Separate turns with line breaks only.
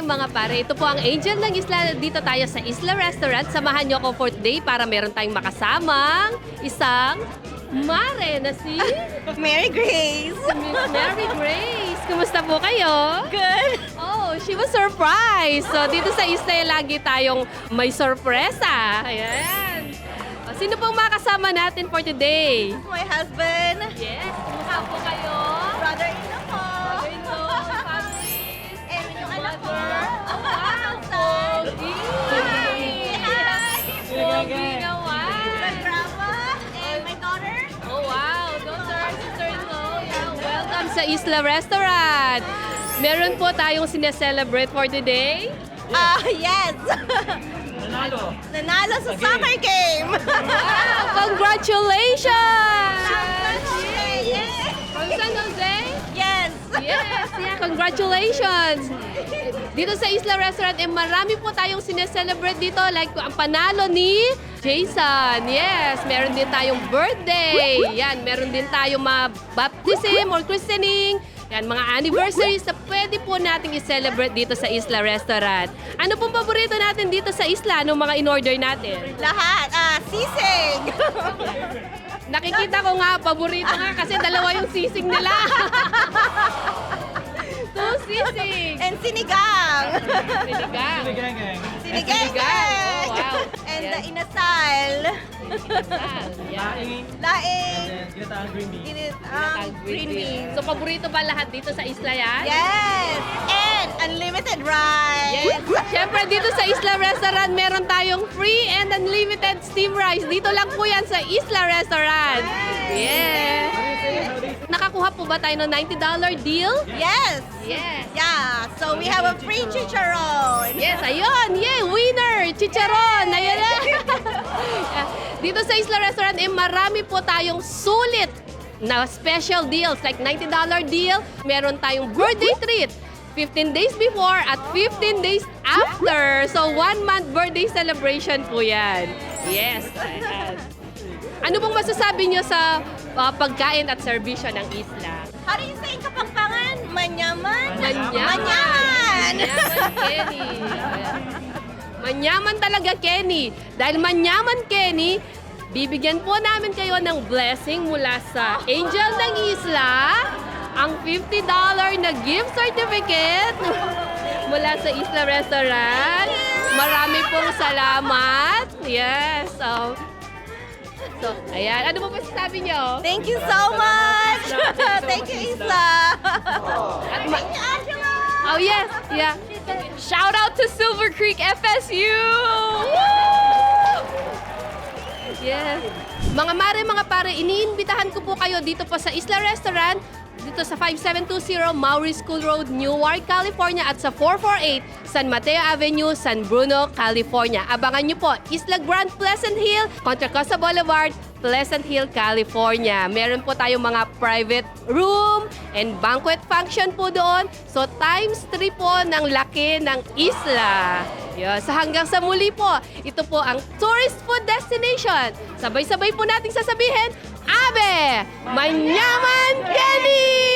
mga pare, ito po ang Angel ng Isla. Dito tayo sa Isla Restaurant. Samahan niyo ako for today para meron tayong makasamang isang mare na si
Mary Grace.
Miss Mary Grace. Kumusta po kayo?
Good.
Oh, she was surprised. So dito sa Isla, lagi tayong may sorpresa. Ayan. O, sino pong makasama natin for today?
My husband.
Yes, kumusta po kayo?
Brother-in-law ko.
Brother-in-law, families,
And yung anak ko.
mother. Oh, wow, Pogi!
Hi.
Pogi naman!
My grandma. And my daughter.
Oh, wow, daughter, sister-in-law. Yeah, welcome sa Isla Restaurant. Meron po tayong sineselebrate for today.
Yes.
Nanalo.
Nanalo sa soccer game.
Wow, congratulations!
Yeah.
From San Jose?
Yes.
Yes, yeah, congratulations! Dito sa Isla Restaurant, marami po tayong sineselebrate dito. Like ang panalo ni Jason. Yes, meron din tayong birthday. Yan, meron din tayong baptism or christening. Yan, mga anniversaries na pwede po nating i-celebrate dito sa Isla Restaurant. Ano pong paborito natin dito sa Isla? Anong mga in-order natin?
Lahat. Sisig.
Nakikita ko nga, paborito nga kasi dalawa yung sisig nila. Two sisig.
And sinigang.
Sinigang.
Gang.
Sinigang.
Oh, wow.
And
Yes.
the inasal.
Inasal. Yan.
Laing.
Laing.
And ginataang green bean.
Green beans.
So, paborito ba lahat dito sa isla yan?
Yes! And unlimited rice!
Yes. Siyempre, dito sa Isla Restaurant, meron tayong free and unlimited steam rice. Dito lang po yan sa Isla Restaurant. Yes. Nakakuha po ba tayo ng $90 deal?
Yes!
Yes.
Yeah, so we have a free chicharon.
Yes, ayun. Yay, winner! Chicharon! Ayun na. Dito sa Isla Restaurant, marami po tayong sulit na special deals. Like $90 deal, meron tayong birthday treat. 15 days before at 15 days after. So, 1 month birthday celebration po yan. Yes. Ayan. Ano pong masasabi nyo sa pagkain at serbisyo ng isla?
How do you say in Kapampangan? Manyaman?
Manyaman!
Manyaman!
Manyaman, Kenny. Manyaman talaga, Kenny. Dahil manyaman, Kenny, bibigyan po namin kayo ng blessing mula sa Angel ng Isla, ang $50 na gift certificate mula sa Isla Restaurant. Marami pong salamat. Yes. So, ayan. Ano po masasabi nyo?
Thank you so much! Thank you, Isla!
At ma-
Thank you, Angela!
Oh, yes. Yeah. Shout out to Silver Creek FSU! Yes. Mga mare, mga pare, iniimbitahan ko po kayo dito po sa Isla Restaurant, dito sa 5720 Maury School Road, Newark, California at sa 448 San Mateo Avenue, San Bruno, California. Abangan nyo po, Isla Grand Pleasant Hill, Contra Costa Boulevard, Pleasant Hill, California. Meron po tayong mga private room and banquet function po doon. So times 3 po ng laki ng isla. Yes. Hanggang sa muli po, ito po ang tourist food destination. Sabay-sabay po nating sasabihin, Abe! Manyaman Kenny!